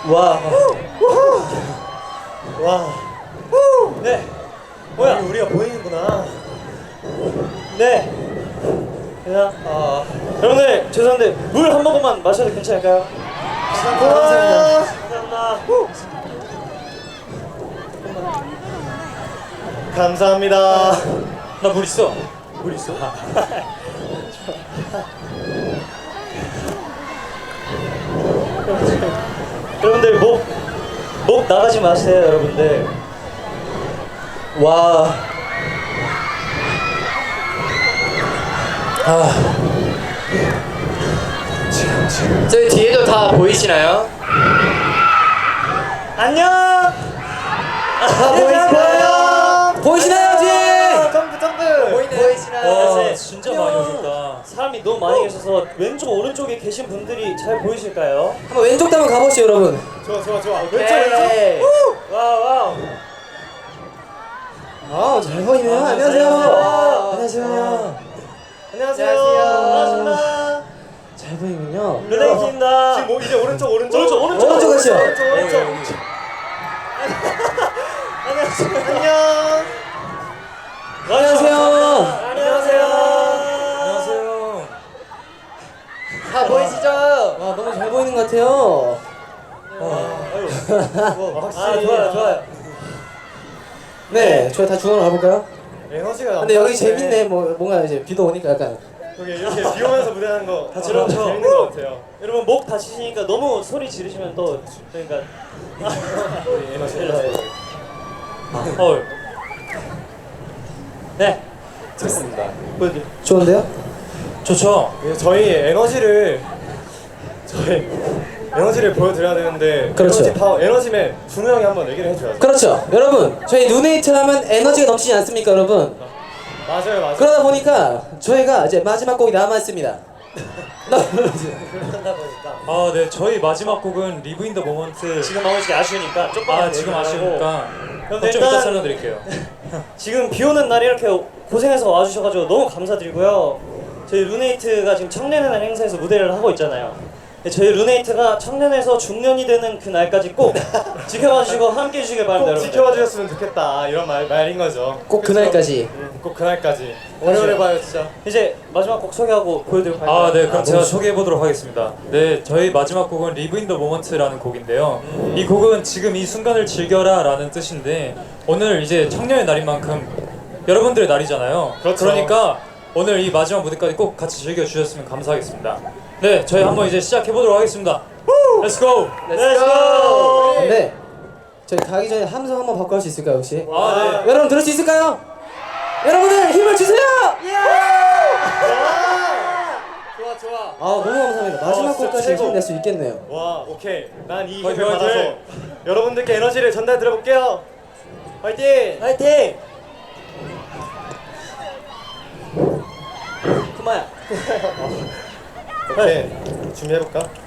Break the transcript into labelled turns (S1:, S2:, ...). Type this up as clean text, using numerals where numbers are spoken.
S1: 와. 와. 네. 뭐야? 우리가 보이는구나. 네. 그냥 여러분들 죄송한데 물 한 모금만 마셔도 괜찮을까요? 감사합니다. 감사합니다.
S2: 나 물 있어.
S1: 물 있어? 여러분들 목 나가지 마세요, 여러분들. 와.
S3: 저희 뒤에도 다 보이시나요?
S1: 안녕.
S3: 보이시나요? 보이시나요 뒤에?
S1: 점프.
S3: 보이시나요?
S2: 와 진짜 많이 오셨다.
S1: 사람이 너무 많이 계셔서 왼쪽 오른쪽에 계신 분들이 잘 보이실까요?
S3: 한번 왼쪽도 한번 가보시죠 여러분.
S1: 좋아.
S3: 오케이.
S1: 와우.
S3: 잘 보이네요. 안녕하세요. 안녕하세요.
S1: 안녕하세요. 반갑습니다.
S3: 잘 보이군요.
S1: 르네이키입니다. 지금 이제 오른쪽
S3: 오른쪽 가시죠.
S1: 오른쪽. 안녕하세요.
S3: 다 보이시죠? 와 너무 잘 보이는 것 같아요.
S1: 확실히 좋아요.
S3: 네, 저희 다 중앙으로 가볼까요?
S1: 에너지가.
S3: 근데 여기 재밌네. 뭔가 이제 비도 오니까 약간.
S1: 여기 이렇게 비 오면서 무대하는 거 다 재밌는 것 같아요. 여러분 목 다치시니까 너무 소리 지르시면 또 그러니까 에너지. 네.
S2: 좋습니다.
S3: 좋은데요?
S2: 좋죠.
S1: 저희 에너지를 보여드려야 되는데
S3: 그렇죠.
S1: 에너지맨 준우 형이 한번 얘기를 해줘야죠.
S3: 그렇죠. 여러분, 저희 누네이트 하면 에너지가 넘치지 않습니까, 여러분?
S1: 맞아요.
S3: 그러다 보니까 저희가 이제 마지막 곡이 남았습니다.
S1: 그러다 보니까
S2: 네, 저희 마지막 곡은 리브 인 더 모먼트.
S1: 지금 나오시기 아쉬우니까 조금
S2: 지금 아쉬우니까
S1: 그럼
S2: 좀
S1: 일단
S2: 이따 살려드릴게요.
S1: 지금 비 오는 날 이렇게 고생해서 와주셔가지고 너무 감사드리고요. 저희 루네이트가 지금 청년의 날 행사에서 무대를 하고 있잖아요. 저희 루네이트가 청년에서 중년이 되는 그 날까지 꼭 지켜봐 주시고 함께 해주시길 바랍니다.
S4: 꼭
S1: 여러분들.
S4: 지켜봐 주셨으면 좋겠다 이런 말인 거죠.
S3: 꼭 그날까지.
S4: 꼭 그날까지. 오래오래 봐요 진짜.
S1: 이제 마지막 곡 소개하고 보여드리고 갈까요?
S2: 네, 그럼 제가 소개해 보도록 하겠습니다. 네, 저희 마지막 곡은 리브 인 더 모먼트라는 곡인데요. 이 곡은 지금 이 순간을 즐겨라라는 뜻인데 오늘 이제 청년의 날인 만큼 여러분들의 날이잖아요.
S4: 그렇죠.
S2: 그러니까 오늘 이 마지막 무대까지 꼭 같이 즐겨 주셨으면 감사하겠습니다. 네, 저희 한번 이제 시작해 보도록 하겠습니다. Let's go.
S3: 네. 저희 가기 전에 함성 한번 바꿔 할 수 있을까요, 혹시?
S2: 네.
S3: 여러분 들을 수 있을까요? 여러분들 힘을 주세요!
S4: 좋아.
S3: 너무 감사합니다. 마지막
S4: 진짜
S3: 곡까지
S4: 최고.
S3: 힘낼 수 있겠네요.
S4: 와 오케이. 난 이
S2: 화이팅,
S4: 힘을 받아서
S2: 화이팅!
S4: 여러분들께 에너지를 전달 드려볼게요. 화이팅!
S1: 화이팅! 그만야.
S4: 오케이 준비해볼까?